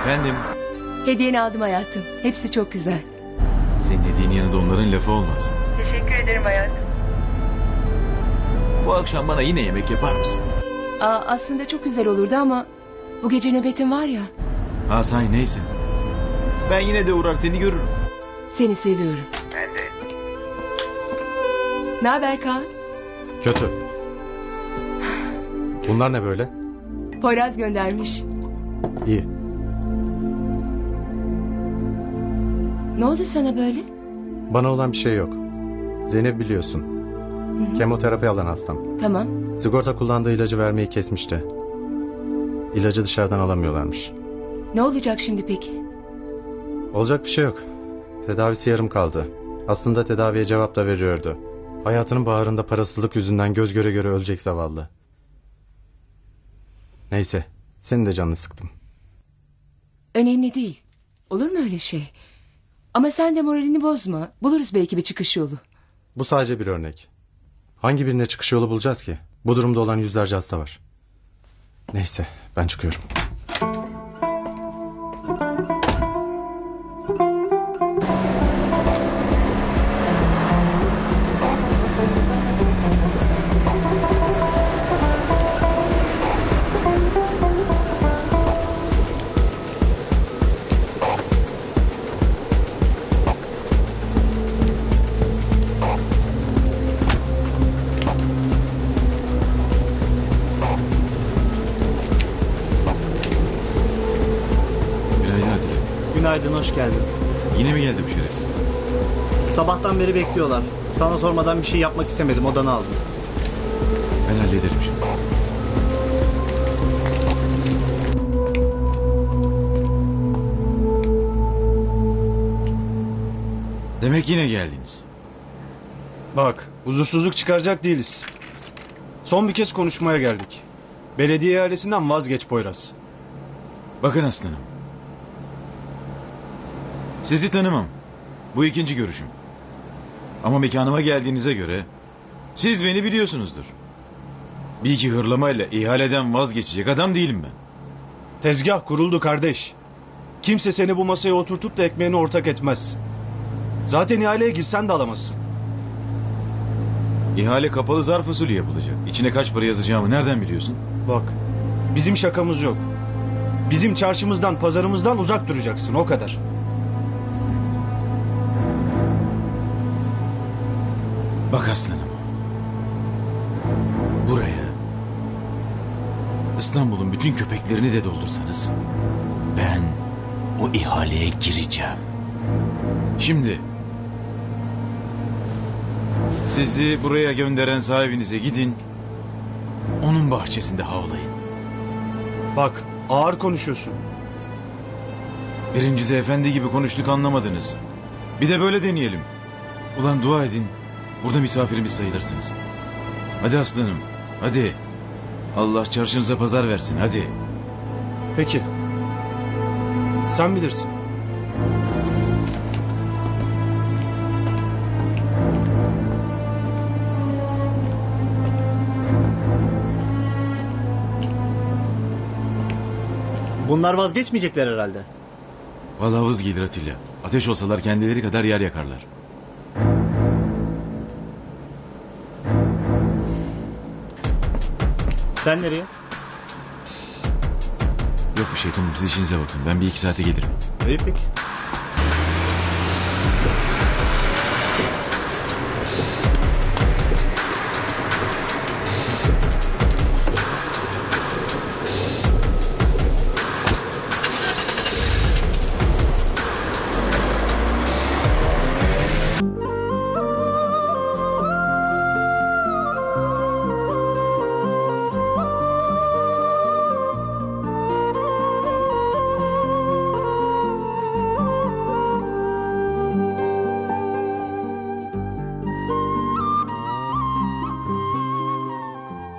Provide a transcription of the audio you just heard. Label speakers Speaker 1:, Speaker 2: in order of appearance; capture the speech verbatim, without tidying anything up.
Speaker 1: Efendim?
Speaker 2: Hediyeni aldım hayatım. Hepsi çok güzel.
Speaker 1: Senin dediğin yanında onların lafı olmaz.
Speaker 2: Teşekkür ederim hayatım.
Speaker 1: Bu akşam bana yine yemek yapar mısın?
Speaker 2: Aa, aslında çok güzel olurdu ama bu gece nöbetim var ya.
Speaker 1: Ha say neyse. Ben yine de uğrar seni görürüm.
Speaker 2: Seni seviyorum.
Speaker 1: Ben de.
Speaker 2: Ne haber Kaan?
Speaker 3: Kötü. Bunlar ne böyle?
Speaker 2: Poyraz göndermiş.
Speaker 3: İyi.
Speaker 2: Ne oldu sana böyle?
Speaker 3: Bana olan bir şey yok. Zeynep biliyorsun.
Speaker 2: Hı hı.
Speaker 3: Kemoterapi alan hastam.
Speaker 2: Tamam.
Speaker 3: Sigorta kullandığı ilacı vermeyi kesmişti. İlacı dışarıdan alamıyorlarmış.
Speaker 2: Ne olacak şimdi peki?
Speaker 3: Olacak bir şey yok. Tedavisi yarım kaldı. Aslında tedaviye cevap da veriyordu. Hayatının baharında parasızlık yüzünden göz göre göre ölecek zavallı. Neyse, senin de canını sıktım.
Speaker 2: Önemli değil. Olur mu öyle şey? Ama sen de moralini bozma. Buluruz belki bir çıkış yolu.
Speaker 3: Bu sadece bir örnek. Hangi birine çıkış yolu bulacağız ki? Bu durumda olan yüzlerce hasta var. Neyse, ben çıkıyorum.
Speaker 1: Günaydın Atilla.
Speaker 4: Günaydın, hoş geldin.
Speaker 1: Yine mi geldi bu şerefsiz?
Speaker 4: Sabahtan beri bekliyorlar. Sana sormadan bir şey yapmak istemedim, odanı aldım.
Speaker 1: Ben hallederim şimdi. Demek yine geldiniz.
Speaker 5: Bak, huzursuzluk çıkaracak değiliz. Son bir kez konuşmaya geldik. Belediye ihalesinden vazgeç Poyraz.
Speaker 1: Bakın aslanım. Sizi tanımam. Bu ikinci görüşüm. Ama mekanıma geldiğinize göre siz beni biliyorsunuzdur. Bir iki hırlamayla ihaleden vazgeçecek adam değilim ben.
Speaker 5: Tezgah kuruldu kardeş. Kimse seni bu masaya oturtup da ekmeğini ortak etmez. Zaten ihaleye girsen de alamazsın.
Speaker 1: İhale kapalı zarf usulü yapılacak. İçine kaç para yazacağımı nereden biliyorsun?
Speaker 5: Bak, bizim şakamız yok. Bizim çarşımızdan, pazarımızdan uzak duracaksın, o kadar.
Speaker 1: Bak aslanım. Buraya İstanbul'un bütün köpeklerini de doldursanız ben o ihaleye gireceğim. Şimdi sizi buraya gönderen sahibinize gidin, onun bahçesinde havlayın.
Speaker 5: Bak, ağır konuşuyorsun.
Speaker 1: Birincide efendi gibi konuştuk, anlamadınız. Bir de böyle deneyelim. Ulan dua edin, burada misafirimiz sayılırsınız. Hadi aslanım, hadi. Allah çarşınıza pazar versin, hadi.
Speaker 5: Peki. Sen bilirsin.
Speaker 4: Bunlar vazgeçmeyecekler herhalde.
Speaker 1: Vallahi vız gelir Atilla. Ateş olsalar kendileri kadar yer yakarlar.
Speaker 4: Sen nereye?
Speaker 1: Yok bir şey, tamam, siz işinize bakın. Ben bir iki saate gelirim.
Speaker 4: İyi peki.